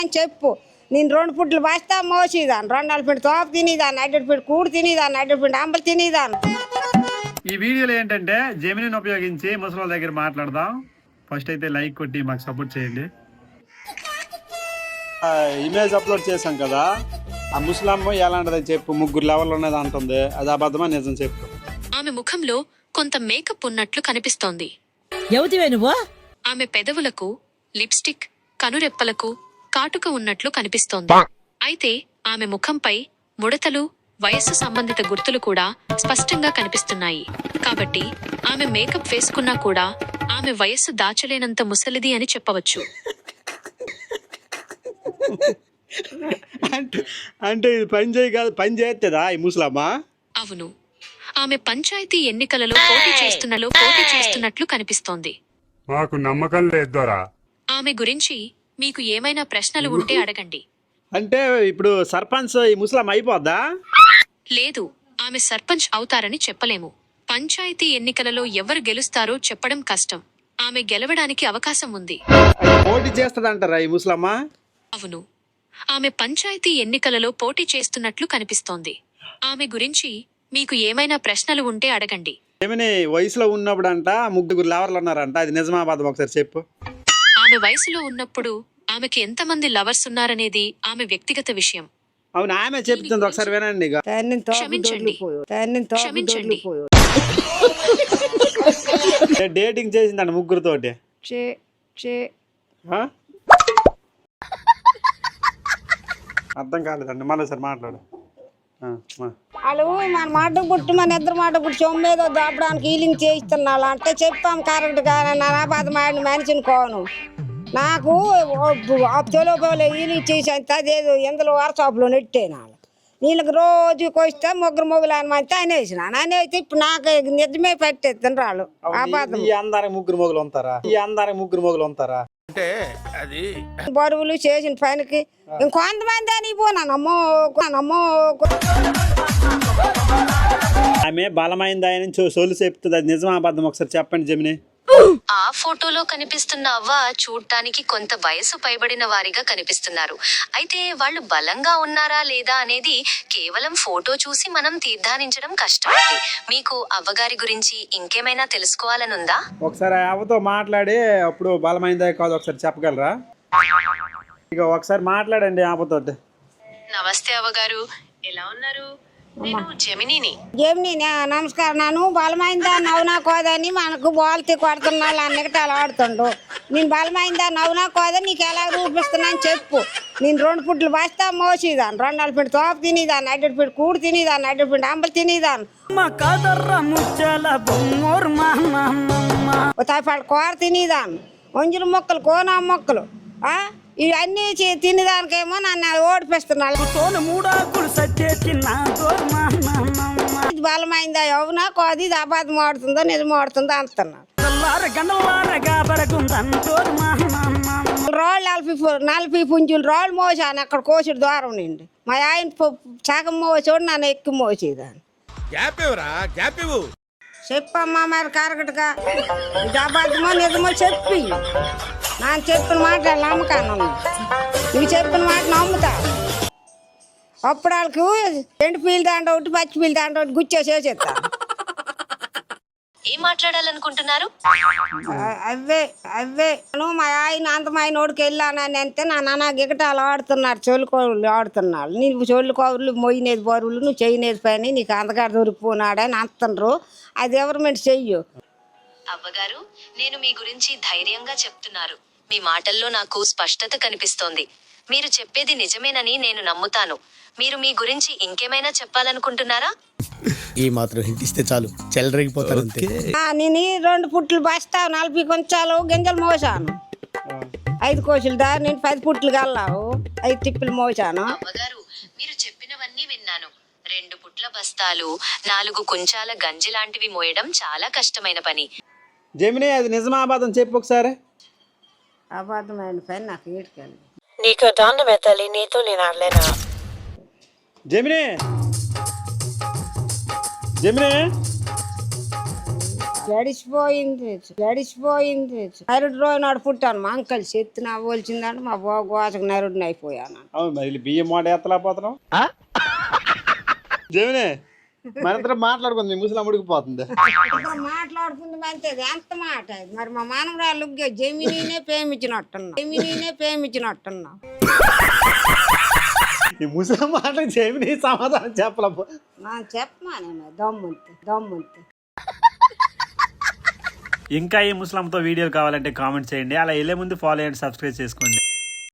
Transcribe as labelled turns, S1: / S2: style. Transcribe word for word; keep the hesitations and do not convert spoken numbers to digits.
S1: చెప్పు నేను రెండు పుట్లు బస్తా మోసేదాన్ని, రెండు నాలుగు పిండి తోప తినేదాన్ని, అడ్డటి పిండి కూడు తినేదాన్ని, అడ్డటి పిండి అంబలు తినేదాన్ని.
S2: ఈ వీడియోలో ఏంటంటే జెమినిని ఉపయోగించి ముసలి దగ్గర మాట్లాడదాం. ఫస్ట్ అయితే లైక్ కొట్టి మాకు సపోర్ట్ చేయండి.
S3: ఇమేజ్ అప్లోడ్ చేశాం కదా, ఆ ముసలమ్మ ఎలాంటిదని చెప్పు, ముగ్గురు లెవెల్ ఉన్నది అంటుంది, అది అబద్ధమా నిజం చెప్పు.
S4: ఆమె ముఖంలో కొంత మేకప్ ఉన్నట్లు కనిపిస్తోంది.
S5: నువ్వు
S4: ఆమె పెదవులకు లిప్స్టిక్, కనురెప్పలకు కాటుక ఉన్నట్లు కనిపిస్తోంది. అయితే ఆమె ముఖంపై ముడతలు, వయస్సు సంబంధిత గుర్తులు కూడా స్పష్టంగా కనిపిస్తున్నాయి. కాబట్టి ఆమె మేకప్ వేసుకున్నా కూడా ఆమె వయస్సు దాచలేనంత ముసలిది అని చెప్పవచ్చు.
S3: అంటే అంటే ఇది పని చేయ కాదు, పని చేస్తుందా ఈ ముసలమ్మ?
S4: అవును, ఆమె పంచాయతీ ఎన్నికలలో పోటీ చేస్తున్నలో పోటీ చేస్తున్నట్లు కనిపిస్తోంది.
S6: మాకు నమ్మకం లేదోరా.
S4: ఆమె గురించి మీకు ఏమైనా ప్రశ్నలు ఉంటే అడగండి.
S3: అంటే ఇప్పుడు సర్పంచ్ ఈ ముసలమ్మ అయిపోద్దా?
S4: లేదు, ఆమె సర్పంచ్ అవుతారని చెప్పలేము. పంచాయతీ ఎన్నికలలో ఎవరు గెలుస్తారో చెప్పడం కష్టం. ఆమె గెలవడానికి అవకాశం ఉంది.
S3: పోటీ చేస్తదంటారా ఈ ముసలమ్మ?
S4: అవును, ఆమె పంచాయతీ ఎన్నికలలో పోటీ చేస్తున్నట్లు కనిపిస్తోంది. ఆమె గురించి మీకు ఏమైనా ప్రశ్నలు ఉంటే అడగండి.
S3: ఏమని వయసులో ఉన్నప్పుడు అంట ముగ్గురు లవర్లు ఉన్నారంట, అది నిజమా అబద్ధం ఒకసారి చెప్పు.
S4: ఆమె వయసులో ఉన్నప్పుడు ఆమెకి ఎంతమంది లవర్స్ ఉన్నారనేది ఆమె వ్యక్తిగత విషయం.
S3: అవును, ఆమె చెప్తుంది, ఒకసారి వినండి.
S4: క్షమించండి క్షమించండి
S3: డేటింగ్ చేసిందంట ముగ్గురుతోటి. అర్థం కాలేదండి, మళ్ళీ సార్ మాట్లాడు.
S1: వాళ్ళు మన మాట పుట్టి మన ఇద్దరు మాట పుట్టి సొమ్మేదో దాపడానికి హీలింగ్ చేయిస్తున్నాళ్ళు అంటే చెప్పాం కరెక్ట్గా. నా బాధ మాడిన మనిషిని కోను, నాకు తెలుగులో హీలింగ్ చేసి అంత అదేదో ఎందులో వాట్సాప్లో నెట్టేనా వీళ్ళకి రోజుకి వస్తే ముగ్గురు మొగ్గులు అని మంచి అనేసిన అనేసి ఇప్పుడు నాకు నిజమే పెట్టేస్తాను రాళ్ళు.
S3: ఈ అందరికి ముగ్గురు మొగులు ఉంటారా? ఈ అందరికి ముగ్గురు మొగులు ఉంటారా?
S7: అంటే అది
S1: బరువులు చేసిన పనికి ఇంకొంతమంది అని పోనా నమ్మో నమ్మో.
S3: ఆమె బలమైంది ఆయన సోలు చెప్తుంది, అది నిజమా అబద్ధం ఒకసారి చెప్పండి జెమిని.
S4: ఆ ఫోటోలో కనిపిస్తున్న అవ్వ చూడటానికి కొంత వయసు పైబడిన వారిగా కనిపిస్తున్నారు. అయితే వాళ్ళు బలంగా ఉన్నారా లేదా అనేది కేవలం ఫోటో చూసి మనం తీర్మానించడం కష్టం. మీకు అవ్వగారి గురించి ఇంకేమైనా తెలుసుకోవాలనుందా?
S3: ఒకసారి అవ్వతో మాట్లాడి అప్పుడు బలమైందా కాదు ఒకసారి చెప్పగలరా? ఇక ఒకసారి మాట్లాడండి అవ్వతోటి.
S4: నమస్తే అవ్వగారు, ఎలా ఉన్నారు? నేను జెమినిని.
S1: జెమిని నమస్కారం. నన్ను బలమైందా నవ్వునా కోదని మనకు బోల్తి కొడుతున్నాళ్ళు అన్నికటాలు ఆడుతుండు. నేను బలమైందా నవ్వునా కోదా నీకు ఎలా రూపిస్తున్నాను చెప్పు. నేను రెండు పుట్లు బస్తా మోసేదాన్ని, రెండు నాలుగు పిండి తోప తినేదాన్ని, అడ్డటి పిండి కూడు తినేదాన్ని, అడ్డటి పిండి అంబలు తినేదాన్ని, తాపాడు కూర తినేదాన్ని, వంజుల మొక్కలు కోనా మొక్కలు ఇవన్నీ తినేదానికేమో నన్ను ఓడిపిస్తున్నాడు. ఇది బలమైందా అవునా కోది ఇది అబద్ధం ఆడుతుందో నిజం ఆడుతుందో అంటున్నాడు. రోళ్ళు నలభై నలభై పుంజులు రోళ్ళు మోసాను అక్కడ కోసుడు దూరం నుండి. మా ఆయన సగం మోసోడు నన్ను ఎక్కువ మోసేదాన్ని. చెప్పమ్మా మరి కరెక్ట్గా ఇది అబద్ధమో నిజమో చెప్పి. నాకు చెప్పిన మాట నమ్మకాను, నువ్వు చెప్పిన మాట నమ్ముతా. అప్పుడు వాళ్ళకు ఎండు పీలు దాంట్లో ఒకటి పచ్చి పీలు దాంట్లో ఒకటి గుచ్చేసేస్తా.
S4: ఏం మాట్లాడాలనుకుంటున్నారు?
S1: అవే అవే నువ్వు మా ఆయన అంతమైన ఓడికి వెళ్ళానని అంతే నా నాన్న గిగటాలు ఆడుతున్నారు, చోళ్ళు కోరులు ఆడుతున్నాడు. నీకు చోళ్ళు కోరులు మొయ్యినేది బరువులు నువ్వు చేయనేది పని నీకు అంతగాడు దొరికిపోనాడని అంటున్నారు. అది ఎవరిమెంట్ చెయ్యు.
S4: అవ్వగారు, నేను మీ గురించి ధైర్యంగా చెప్తున్నారు. మీ మాటల్లో నాకు స్పష్టత కనిపిస్తోంది. మీరు చెప్పేది నిజమేనని నేను నమ్ముతాను. మీరు మీ గురించి ఇంకేమైనా చెప్పాలనుకుంటున్నారా?
S7: ఈ మాత్రం హింట్ ఇస్తే చాలు, చెలరేగిపోతారు.
S1: నేను రెండు పుట్లు బస్తా నలభై కొంచాలు గింజలు మోసాను, ఐదు కోసులు దా నేను పది పుట్లు కల్లావు ఐదు తిప్పులు మోసాను.
S4: అవ్వగారు, మీరు చెప్పినవన్నీ విన్నాను. రెండు పుట్ల బస్తాలు, నాలుగు కుంచాల గంజి లాంటివి మోయడం చాలా కష్టమైన పని.
S3: జెమిని అది నిజమా అబద్ధం చెప్పు ఒకసారి.
S1: అబద్ధమైన పని నాకు ఏడుకెళ్ళి
S5: నీకు దాన్ని మెత్తాలి, నీతో నేను ఆడలేనా?
S3: జెమిని జెమిని
S1: గడిచిపోయింది గడిచిపోయింది నరుడు రోజు నాడు పుట్టాను మా అంకల్ చెత్తి నా పోల్చిందంటే మా బాగు గోసకు నరుడిని అయిపోయాను.
S3: అవును మరి బియ్యం మాట ఎత్తలేకపోతున్నాం. జమిని మనందరం మాట్లాడుకుంది ముసలి ఉడికిపోతుంది.
S1: మాట్లాడుకుంది మంచిది ఎంత మాట ఇది. మరి మా మానవరాలు జమినీనే ప్రేమించినట్టున్నా జమినీనే ప్రేమించినట్టున్నా
S3: ఈ ముసలి మాటలకు జమిని సమాధానం చెప్పలేము.
S1: నా చెప్పమానే దమ్ముంతి దమ్ముంతి.
S2: ఇంకా ఈ ముస్లింతో వీడియోలు కావాలంటే కామెంట్ చేయండి. అలా వెళ్ళే ముందు ఫాలో చేయండి, సబ్స్క్రైబ్ చేసుకోండి.